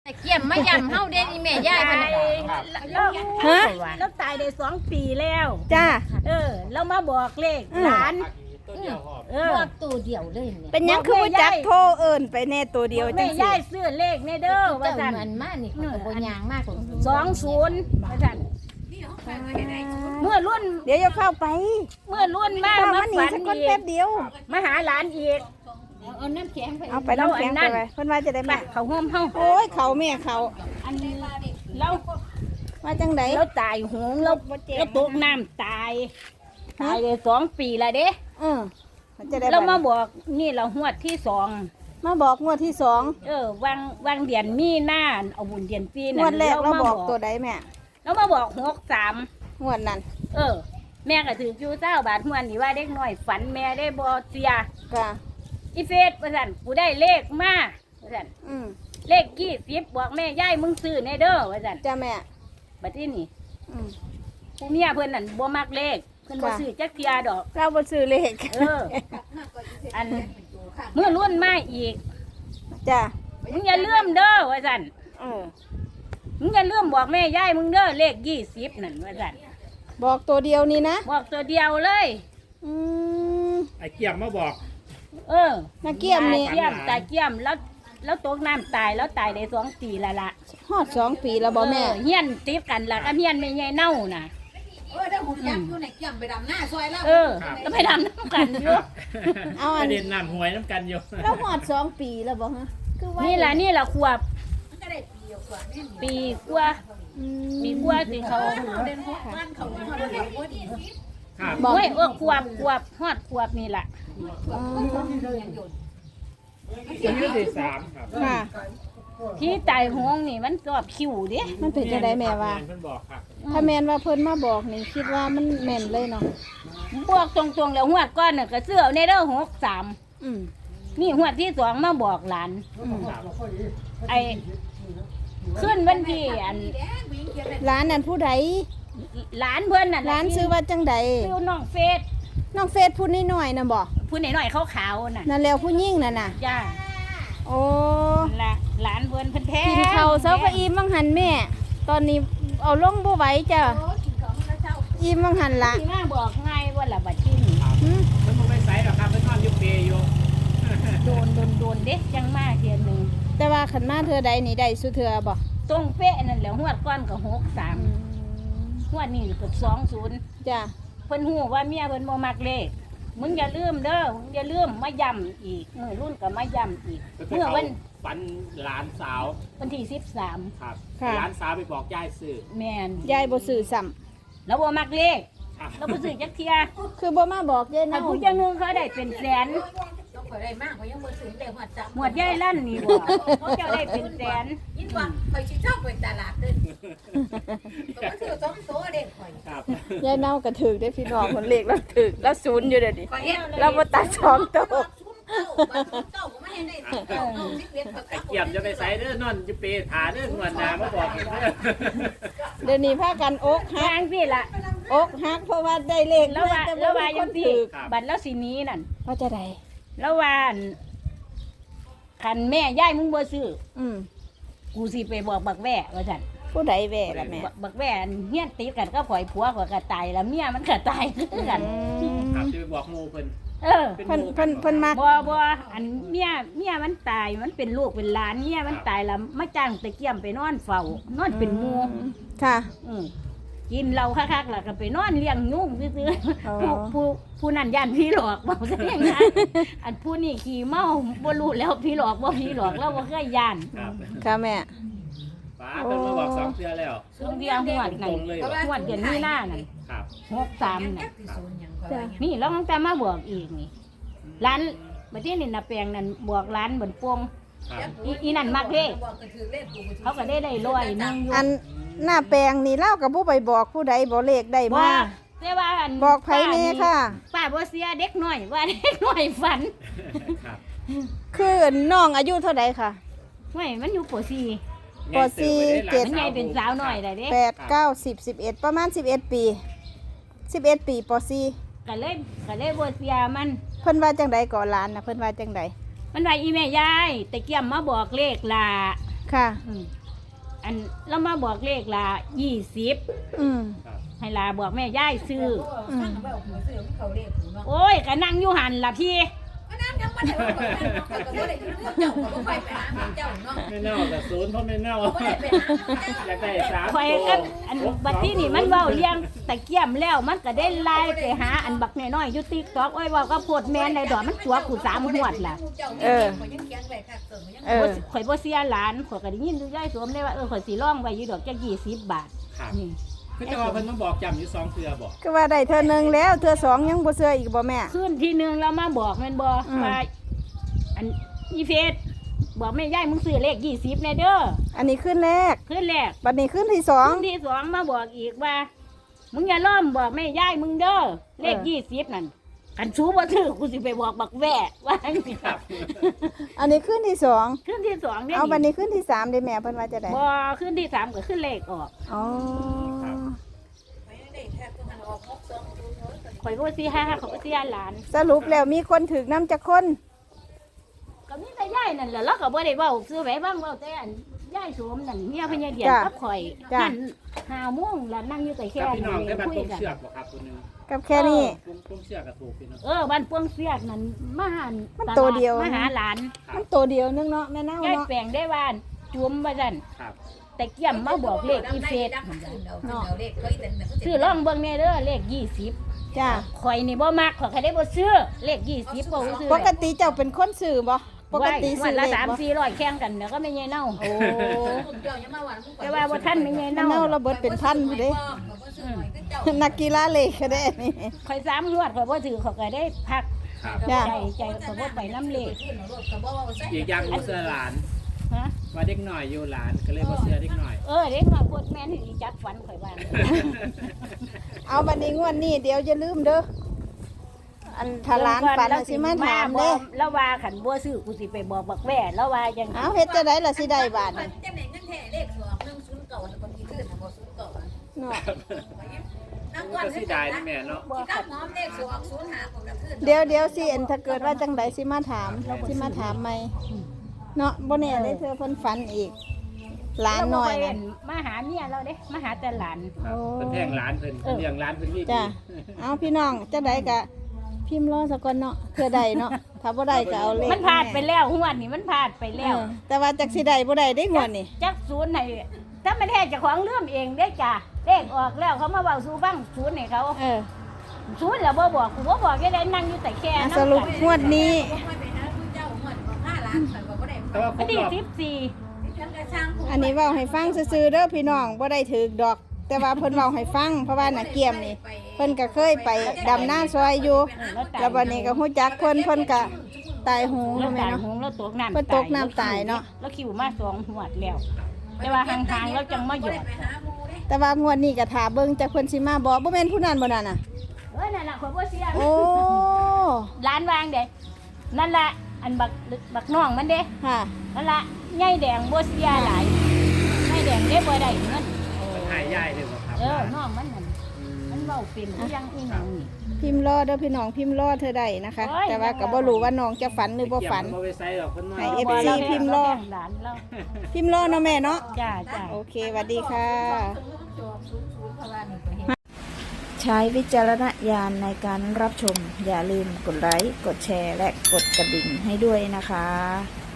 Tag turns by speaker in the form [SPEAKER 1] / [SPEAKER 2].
[SPEAKER 1] เกี่ยมมายำเฮาเด้นี่แม่ยายเพิ่นน่ะ
[SPEAKER 2] ฮะ
[SPEAKER 3] แล้วตายได้2 ปีแล้ว
[SPEAKER 2] จ้า
[SPEAKER 3] เรามาบอกเลขหลาน
[SPEAKER 1] บอกตัวเดียวเลยเนี่ย
[SPEAKER 2] เป็นหยังคือบ่จักโทรเอิ้นไปแน่ตัวเดียวจั
[SPEAKER 3] แม่
[SPEAKER 2] ง
[SPEAKER 3] ยา
[SPEAKER 2] ซี่
[SPEAKER 3] ยซื้อเลขในเด้อว่า
[SPEAKER 1] เจ้า
[SPEAKER 3] ซั่น
[SPEAKER 1] มันมานี่เขาก็บ่ยางมากกว่า
[SPEAKER 3] 20ว่าซั่นเมื่อรุ่น
[SPEAKER 2] เดี๋ยวอย่าเข้าไป
[SPEAKER 3] เมื่อรุ่นมา
[SPEAKER 2] ป้า
[SPEAKER 3] มา
[SPEAKER 2] มาหนี
[SPEAKER 3] ฝัน
[SPEAKER 2] สักคน
[SPEAKER 3] อี
[SPEAKER 2] แป๊
[SPEAKER 3] ก
[SPEAKER 2] บเดียว
[SPEAKER 3] มาหาหลานอีก
[SPEAKER 1] เอาน้ำแข็งไป
[SPEAKER 2] เอาไปน้ำแข็งไปไว้เพิ่นว่าจะได้
[SPEAKER 3] ไป
[SPEAKER 2] มา
[SPEAKER 3] เขาห่มเฮา
[SPEAKER 2] โอ้ยเขาแม่เขา
[SPEAKER 3] อันนี้เรา
[SPEAKER 2] ว่าจังได๋
[SPEAKER 3] เราตายหงเราตกน้ำตายได้2 ปีแล้วเด้
[SPEAKER 2] มันจะได้
[SPEAKER 3] เรามา
[SPEAKER 2] บัด
[SPEAKER 3] บอกนี่เราหวดที่2
[SPEAKER 2] มาบอกงวดที่สอง
[SPEAKER 3] วางเดือนมีหน้าเอาบุญเดือนปี
[SPEAKER 2] ง
[SPEAKER 3] นั่น
[SPEAKER 2] วดแรกเรา
[SPEAKER 3] ม
[SPEAKER 2] บอกตัวใดแม่
[SPEAKER 3] เรามาบอก63
[SPEAKER 2] งวดนั้น
[SPEAKER 3] แม่ก็ถืออยู่เจ้าบาทหวนนี่ว่าเด็กน้อยฝันแม่ได้บ่เสีย
[SPEAKER 2] ก็
[SPEAKER 3] อีเฟสว่าซั่นกูได้เลขมาว่าซั่น
[SPEAKER 2] อืม
[SPEAKER 3] เลข20บอกแม่ยายมึงซื้อแน่เด้อว่าซั่น
[SPEAKER 2] จ้าแม่
[SPEAKER 3] บัดนี้นี่
[SPEAKER 2] อืม
[SPEAKER 3] ผู้เมียเพิ่นนั่นบ่มักเลขเพิ่นบ่
[SPEAKER 2] ค่ะ
[SPEAKER 3] ซื้อจักเที่ยดอก
[SPEAKER 2] เราบ่ซื้อเลข
[SPEAKER 3] อันเมื่อรุ่นมาอีก
[SPEAKER 2] จ้า
[SPEAKER 3] มึงอย่าลืมเด้อว่าซั่น
[SPEAKER 2] เออ
[SPEAKER 3] มึงอย่าลืมบอกแม่ยายมึงเด้อเลข20นั่นว่าซั่น
[SPEAKER 2] บอกตัวเดียวนี่นะ
[SPEAKER 3] บอกตัวเดียวเลย
[SPEAKER 2] อืม
[SPEAKER 4] ไอ้เกี่ยมมาบอก
[SPEAKER 2] นักเกียมนี่
[SPEAKER 3] ตาเกียมแล้วตกน้ำตายแล้วตายได้2 ปีแล้วล่ะ
[SPEAKER 2] ฮอด2 ปีแล้วบ่แม่
[SPEAKER 3] เฮียนติดกันล่ะก็เฮียนไม่ใหญ่เน่าน่ะ
[SPEAKER 1] ได้หุ่นยักษ์อยู่ในเกี่ยมไปดำหน้าซอยแล้ว
[SPEAKER 3] แล้วไปทำน้ำกันอยู่
[SPEAKER 2] เอา
[SPEAKER 4] ป
[SPEAKER 2] อัน
[SPEAKER 4] ระเด็นนำหวยน้ำกันอยู่
[SPEAKER 2] เราฮอด2 ปีแล้วบ่ฮะคือว่า
[SPEAKER 3] นี่ล่ะขวบ
[SPEAKER 1] มันก็ได้ปีกว่านี่
[SPEAKER 3] ปีกว่า
[SPEAKER 2] อืม
[SPEAKER 3] ปีกว่าสิเขา
[SPEAKER 1] เด่น6บ้านเขาเขาเรียกว่าดี
[SPEAKER 4] ครับ
[SPEAKER 2] บอก
[SPEAKER 3] โอ้ยขวบฮอดขวบนี่ล่ะ
[SPEAKER 2] อ๋อ
[SPEAKER 4] อายุที่3ครับ
[SPEAKER 2] ค่ะ
[SPEAKER 3] ที่ตายหงนี่มันชอบคิวเด้
[SPEAKER 2] มันเป็นจังไดแม่ว่า
[SPEAKER 4] เพิ่นบอกครับ
[SPEAKER 2] ถ้าแม่นว่าเพิ่นมาบอกนี่คิดว่ามันแม่นเลยเนาะ
[SPEAKER 3] บอกตรงๆแล้วหวดก้อนน่ะก็เสื้อในเด้อ63
[SPEAKER 2] อืม
[SPEAKER 3] นี่หวดที่2มาบอกหลาน
[SPEAKER 4] ครับ
[SPEAKER 3] ไอ้ขึ้นวันที่อัน
[SPEAKER 2] ร้านนั้นผู้ใด
[SPEAKER 3] หลานเพิ่นน่ะ
[SPEAKER 2] ร้านซื้อว่าจังใด
[SPEAKER 3] ซื้อน้องเฟส
[SPEAKER 2] น้องเฟซพูดน้อยๆน่ะบ่
[SPEAKER 3] ผู้น้อยๆขาวๆน่ะ
[SPEAKER 2] นั่นแล้วผู้หญิงนั่นน่ะ
[SPEAKER 3] จ้า
[SPEAKER 2] โอ้
[SPEAKER 3] ละหลานเพิ่นเพิ่นแท้
[SPEAKER 2] กินข้าวเช้าก็อิ่มบังหันแม่ ตอนนี้เอาลงบ่ไหวจ้ะอิ่มบังหันละ
[SPEAKER 3] ที่มาบอกง่ายว่าละบัดที่นี่
[SPEAKER 2] หึ
[SPEAKER 4] เพิ่นบ่ไปไสหรอกครับเพิ่นนอนอยู่เปรอยู่
[SPEAKER 3] โดนเด็กจังมาเทียนหนึง
[SPEAKER 2] แต่ว่าขันมาเธอใดนี่ได้สุเทือบ่
[SPEAKER 3] ตรงเป๊ะนั่นแหละหวดก้อนก็63หวดนี่ก็20
[SPEAKER 2] จ้ะ
[SPEAKER 3] เพิ่นฮู้ว่าเมียเพิ่นบ่มักเลขมึงอย่าลืมเด้อมึงอย่าลืมมาย้ำอีกมื้อรุ่นก็มาย้ำอีก
[SPEAKER 4] เมื่
[SPEAKER 3] เมื่อวัน
[SPEAKER 4] ฝันหลานสาว
[SPEAKER 3] วันที่13
[SPEAKER 4] ครับ
[SPEAKER 2] ค่ะ
[SPEAKER 4] หลานสาวไปบอกยายซื้อ
[SPEAKER 3] แม่น
[SPEAKER 2] ยายบ่ซื้อซ้ำ
[SPEAKER 3] แล้วบ่มักเลข
[SPEAKER 4] ครับ
[SPEAKER 3] แล้วบ่ซื้อจักเที่ย
[SPEAKER 2] คือบ่มาบอกยาย
[SPEAKER 3] ถ้า
[SPEAKER 2] เนา
[SPEAKER 3] ผู้จังหนึงเขาได้เป็นแสน
[SPEAKER 1] ต้องไปได้มากกว่ายังบ่ถึงได้หัวจับ
[SPEAKER 3] หมวดใหญ่ลั่นนี่บ่เขาเจ้าได้เป็นแสน
[SPEAKER 1] ยินว่าไปสิชอบไปตลาดเด้อตัวซื้อ2ตัวเด้ข่อย
[SPEAKER 4] ครับ
[SPEAKER 2] ยายเน่าก็ถึกได้พี่น้องคนเลขแล้วถึกแล้วศูนย์อยู่เดี๋ยวนี้
[SPEAKER 1] ข่อยเฮ็ด
[SPEAKER 2] เราบ่ตัดสองตัว
[SPEAKER 1] เจ้าก็ไม่ให้ได้เจ้า11ก็
[SPEAKER 4] ไอ้เกี่ยมจะไปไสเด้อนอนอยู่เปรหาเด้องวดหน้ามาบอกอีกเด้อ
[SPEAKER 2] เดี๋ยวนี้พากันอกหั
[SPEAKER 3] ทาก งพี่ละ
[SPEAKER 2] อกหักเพราะว่าได้เลข
[SPEAKER 3] แล้วว่า
[SPEAKER 2] แต่
[SPEAKER 3] แล้ว
[SPEAKER 2] บ่
[SPEAKER 3] ว่า
[SPEAKER 2] มีค
[SPEAKER 3] ยัง
[SPEAKER 2] น
[SPEAKER 3] พี่
[SPEAKER 2] ถึก
[SPEAKER 3] บัตรแล้วสีนี้นั่น
[SPEAKER 2] ว่าจะได้
[SPEAKER 3] แล้วว่าอั่นคันแม่ย่ายมึงบ่ซื้อ
[SPEAKER 2] อืม
[SPEAKER 3] กูสิไปบอกบักแว่ว่าซั่น
[SPEAKER 2] ผู้ใดแว่ล่ะแม่
[SPEAKER 3] บักแว่อันเฮียนติดกันก็ข่อยผัวข่อยก็ตายแล้วเมียมันก็ตายคือกัน
[SPEAKER 4] ครับจะไปบอกหมู่เพิ่น
[SPEAKER 3] เออ
[SPEAKER 2] เพิ่นมัก
[SPEAKER 3] บ่อันเมียมันตายมันเป็นลูกเป็นหลานเมียมันตายแล้วมาจ้างตะเกียมไปนอนเฝ้านอนเป็นหมู่
[SPEAKER 2] ค่ะ
[SPEAKER 3] อืมกินเหล้าคักๆแล้วก็ไปนอนเลี้ยงยุ่งซื่อ
[SPEAKER 2] อ๋อ
[SPEAKER 3] ๆผู้นั้นย่านพี่หลอกบอกซะอย่างนั้นอันผู้นี่ขี่เมาบ่รู้แล้วพี่หลอกบ่พี่หลอกแล้วบ่เคยย่าน
[SPEAKER 4] ครับ
[SPEAKER 2] ค่ะแม่
[SPEAKER 4] ป้าเพิ่นมาบอก2เทื่อแล้ว
[SPEAKER 3] ช่วงเดียวหวดนั่น
[SPEAKER 4] ตรงๆเลย
[SPEAKER 3] หวดเดือนมีนานั่น
[SPEAKER 4] ครับ
[SPEAKER 3] 63น่ะ
[SPEAKER 2] จ้ะ
[SPEAKER 3] นี่แล้วตั้งแต่มาบอกอีกนี่ร้านบัดนี้นี่น่ะแปลงนั่นบอกร้านบนโป่ง
[SPEAKER 4] ครับ
[SPEAKER 3] อีนั่นมักเลขเขาก็ได้ร้อยหนึงอยู่
[SPEAKER 2] อันหน้าแปลงนี่เล่ากับผู้ไปบอกผู้ใดบ่เลขได้
[SPEAKER 3] บ่
[SPEAKER 2] มา
[SPEAKER 3] แต่ว่าอัน
[SPEAKER 2] บอกไผแน่ค่ะ
[SPEAKER 3] ป้าบ่เสียเด็กน้อยว่าเด็กน้อยฝัน
[SPEAKER 4] ครับ
[SPEAKER 2] คือน้องอายุเท่าใดค่ะ
[SPEAKER 3] ไม่มันอยู่ป .4
[SPEAKER 2] ปสี่เจ็ด
[SPEAKER 3] มันใหญ่เป็นสาวน้อยได้เด้
[SPEAKER 2] 8 9 10 11ประมาณ11 ปี11 ปีป .4
[SPEAKER 3] ก็เลยบ่เสียมัน
[SPEAKER 2] เพิ่นว่าจังใดก่อนหลานน่ะเพิ่นว่าจังใด
[SPEAKER 3] มันว่าอีแม่ยายตะเกียมมาบอกเลขล่ะ
[SPEAKER 2] ค่ะ
[SPEAKER 3] อันเรามาบอกเลขละ20
[SPEAKER 2] อืม
[SPEAKER 3] ให้ลาบอกแม่ย่ายซื้อ
[SPEAKER 1] ข้างแบบหัวเสือเขาเรียกเนาะ
[SPEAKER 3] โอ้ยก็นั่งอยู่หันล่ะพี่
[SPEAKER 1] ก็นั่นยังไม่ได้ว่าก็บ่ได้อยู่เจ้าก็บ่ไปหาเจ้าเนาะ
[SPEAKER 4] ไม่เน่ากับศูนย์เพราะไม่เน่า
[SPEAKER 1] บ่ได้ไปหาเจ้า
[SPEAKER 4] อยากได้สาม
[SPEAKER 3] ข่อย
[SPEAKER 4] ตัว
[SPEAKER 3] อันบัดที่นี่มันเว้าเลี้ยงตะเกียมแล้วมันก็ได้ไล่ไปหาอันบักน้อยๆอยู่ TikTok โอ้ยเว้าก็โพดแม่นในดอกมันตัวกู3หวดล่ะ
[SPEAKER 1] ยังเขียนไว้ค่ะเสริมยัง
[SPEAKER 2] เออ
[SPEAKER 3] ข่อยบ่เสียหลานข่อยก็ได้ยินอยู่ยายสวมได้ว่าข่อยสิร้องไว้อยู่ดอกจัก20 บาท
[SPEAKER 4] ครับ
[SPEAKER 3] นี่
[SPEAKER 4] คือจะว่าเพิ่นมาบอกจำอยู่2เทื่อบอก
[SPEAKER 2] ก็ว่าได้เธอหนึ่งแล้วเธอสองยังบ่เชื่ออีกบ่แม่
[SPEAKER 3] คืนที่หนึงเรามาบอกแม่นบ่
[SPEAKER 2] อืม
[SPEAKER 3] ว่าอันอีเฟสบอกแม่ย่ายมึงซื้อเลข20แน่เด้อ
[SPEAKER 2] อันนี้ขึ้นแรก
[SPEAKER 3] คืนแรก
[SPEAKER 2] บัดนี้ขึ้นที่สอง
[SPEAKER 3] คืนที่2มาบอกอีกว่ามึงอย่าล้อมบอกแม่ย่ายมึงเด้อเลข20นั่นกันชูบ่ถือกูสิไปบอกบักแว่ว่าจังซี่
[SPEAKER 4] ครับ
[SPEAKER 2] อันนี้ขึ้นที่สอง
[SPEAKER 3] คืนที่2เนี่ย
[SPEAKER 2] เอาบัดนี้ขึ้นที่สามได้แม่เพิ่นว่าจะได้
[SPEAKER 3] บ่คืนที่3ก็ขึ้นเลขออก
[SPEAKER 2] อ๋อ
[SPEAKER 1] ได้แค่ตัวหันออก62
[SPEAKER 3] ข่อยบ่สิหาข่อยบ่สิหาหลาน
[SPEAKER 2] สรุปแล้วมีคนถึกน้ำจักคน
[SPEAKER 3] ก็มีแต่ย่ายนั่นแหละแล้วก็บ่ได้เว้าซื้อไว้บ้างเว้าแต่อันย่ายโสมนั่นเมียพญาเดียนกับข่อยนั่น5โมงแล้วนั่งอยู่แต่แค่
[SPEAKER 4] กับพี่น้องได้บัตร
[SPEAKER 3] คุ
[SPEAKER 4] ป
[SPEAKER 3] ย
[SPEAKER 4] ง
[SPEAKER 3] กัน
[SPEAKER 4] เชือกบ่ครับตัวหนึง
[SPEAKER 2] กับแค่นี้
[SPEAKER 4] ปงเชือกก็ถูกพี่น้อง
[SPEAKER 3] บ้านปวงเสียกนั่นมาหา
[SPEAKER 2] มันตัวเดียว
[SPEAKER 3] มาหาหลาน
[SPEAKER 2] มันตัวเดียวนึงเนาะแม่เน่า
[SPEAKER 3] ย่าย
[SPEAKER 2] เนาะ
[SPEAKER 3] แปลงได้ว่านจุ่มว่าซั่น
[SPEAKER 4] ครับ
[SPEAKER 3] แต่เกี่ยมมาบอกเลขอีเฟสซื้อล่องเบิ่งแน่เด้อเลข20
[SPEAKER 2] จ้า
[SPEAKER 3] ข่อยนี่บ่มักข่อยก็ได้บ่ซื้อเลข20บ่ซื้อ
[SPEAKER 2] ปกติเจ้าเป็นคนสื่อบ่ปกติ
[SPEAKER 3] วั
[SPEAKER 2] สื่
[SPEAKER 3] น
[SPEAKER 2] อ
[SPEAKER 3] ละ
[SPEAKER 2] เลขบ่
[SPEAKER 3] 3-400แข่งกันเดี๋ยวก็ไม่ใหญ่เน่า
[SPEAKER 2] โอ้
[SPEAKER 3] แต่ว่าบ่ทันไม่ใหญ่
[SPEAKER 2] แม่
[SPEAKER 3] เน่า
[SPEAKER 2] เน่าเราเบิดเป็นพันผู้เด้นักกีฬาเลขก็ได้นี่
[SPEAKER 3] ข่อย3งวดข่อยบ่ถือข่อยก็ได้พัก
[SPEAKER 4] ครับ
[SPEAKER 2] จ้ะ
[SPEAKER 3] ใจข่อยบ่ไปน้ำเลข
[SPEAKER 4] อีกอย่างบ่เสื้อหลาน
[SPEAKER 3] ฮะ
[SPEAKER 4] ว่าเด็กหน่อยอยู่หลานก็เลยบ่เสื้อเด็กหน่อย
[SPEAKER 3] เด็กน้อยพวกแม่นที่จัดฝันข่อยว่า
[SPEAKER 2] เอาบัดนี้งวดนี้เดี๋ยวจะลืมเด้ออันถ้าร้านปันน่ะสิมาถามเด้
[SPEAKER 3] แล้วว่าขันบัวซื้อกูสิไปบอกบักแว่แล้วว่าจัง
[SPEAKER 2] เอาเฮ็ดจะได้ล่ะสิได้บาทนี่
[SPEAKER 1] จังไหนเงินแท้เลข2 1 0 9แล้วก็มีขึ้นบ่0 9
[SPEAKER 2] เนาะ
[SPEAKER 1] น้ำ
[SPEAKER 4] ก็
[SPEAKER 1] ก้อน
[SPEAKER 4] สิได้นะแม่เนาะ
[SPEAKER 1] ตั้งหอมเลข2 0 5ของกระขึ้น
[SPEAKER 2] เดี๋ยวสิอันถ้าเกิดว่าจังไดสิมาถามใหม่เนาะบ่แน่ได้เธอเพิ่นฝันอีกหลานน้อยนั่น
[SPEAKER 3] มาหาเมียเราเด้มาหาแต่หลาน
[SPEAKER 4] ครับเพิ่นแท่งหลานเพิ่นเพิ่นเลี้ยงหลานเพิ่นนี่ดี
[SPEAKER 2] จ้ะเอาพี่น้องจังไดก็พิมพ์รอสักก่อนเนาะเพื่อใดเนาะถ้าบ่ได้ก็เอาเลข
[SPEAKER 3] มันผ่านไปแล้วหวดนี่มันผ่านไปแล้ว
[SPEAKER 2] แต่ว่าจักสิได้บ่ได้ได้งวดนี่
[SPEAKER 3] จักศูนย์ให้ถ้ามันแท้เจ้าของเรื่องเองได้จ้ะเลขออกแล้วเขามาเว้าสู่ฟังศูนย์ให้เขา ศูนย์แล้วบ่บอกกูบ่บอกยังได้นั่งอยู่แต่แค่
[SPEAKER 2] อ่ะ
[SPEAKER 3] นั้น
[SPEAKER 2] สรุปงวดนี้
[SPEAKER 4] แต่ว่าคร
[SPEAKER 3] อัน
[SPEAKER 4] บ
[SPEAKER 3] ที่
[SPEAKER 4] รอบ
[SPEAKER 3] 14
[SPEAKER 2] อันนี้เว้าให้ฟังซื่อๆเด้อพี่น้องบ่ได้ถูกดอก แต่ว่าเพิ่นเว้าให้ฟังเพราะว่าน่ะเกียมนี่เพิ่นก็เคยไปดำนาซอยอยู่แล้วบัดนี้ก็ฮู้จักเพิ่นก็ตายโหง
[SPEAKER 3] แล้ว
[SPEAKER 2] แม่
[SPEAKER 3] ตาย
[SPEAKER 2] เนาะ
[SPEAKER 3] หงแล้วตกน้ำ
[SPEAKER 2] เพิ่นตกน้ำตายเนาะ
[SPEAKER 3] แล้วคิวมา2หวดแล้ว แต่ว่าห่างๆแล้วจังมาหยอด
[SPEAKER 2] แต่ว่างวดนี้ก็ท่าเบิ่งจักเพิ่นสิมาบ่บ่แม่นผู้นั้นบ่นั่นน่ะ
[SPEAKER 3] นั่นล่ะข่อยบ่เสีย
[SPEAKER 2] โอ้
[SPEAKER 3] ร้านวางเด้นั่นล่ะอันบักน้องมันเด้
[SPEAKER 2] ค่ะ
[SPEAKER 3] นั่นล่ะใหญ่แดงบ่เสียหลายใหญ่แดงเด้บ่ได้เงิน
[SPEAKER 4] มันหายยายเลยบ่ครับ
[SPEAKER 3] น้องมันนั่นมันเว้าเป็นคือยังอีหยังนี่
[SPEAKER 2] พิมพ์รอเด้อพี่น้องพิมพ์รอเธอได้นะคะ
[SPEAKER 3] โอ้ย
[SPEAKER 2] แต่ว่าก็บ่รู้ว่าน้องจะฝันหรือบ่ฝัน
[SPEAKER 4] บ่ไปใส่ดอกเพิ่นมา
[SPEAKER 2] ให้
[SPEAKER 3] บ่
[SPEAKER 2] FC
[SPEAKER 3] รา
[SPEAKER 2] พิมพ์รอ
[SPEAKER 3] แบ่งหลานเรา
[SPEAKER 2] พิมพ์รอเนาะแม่เนาะ
[SPEAKER 3] จ้า
[SPEAKER 2] โอเคสวัสดีค่ะ ใช้วิจารณญาณในการรับชม อย่าลืมกดไลค์ กดแชร์ และกดกระดิ่งให้ด้วยนะคะ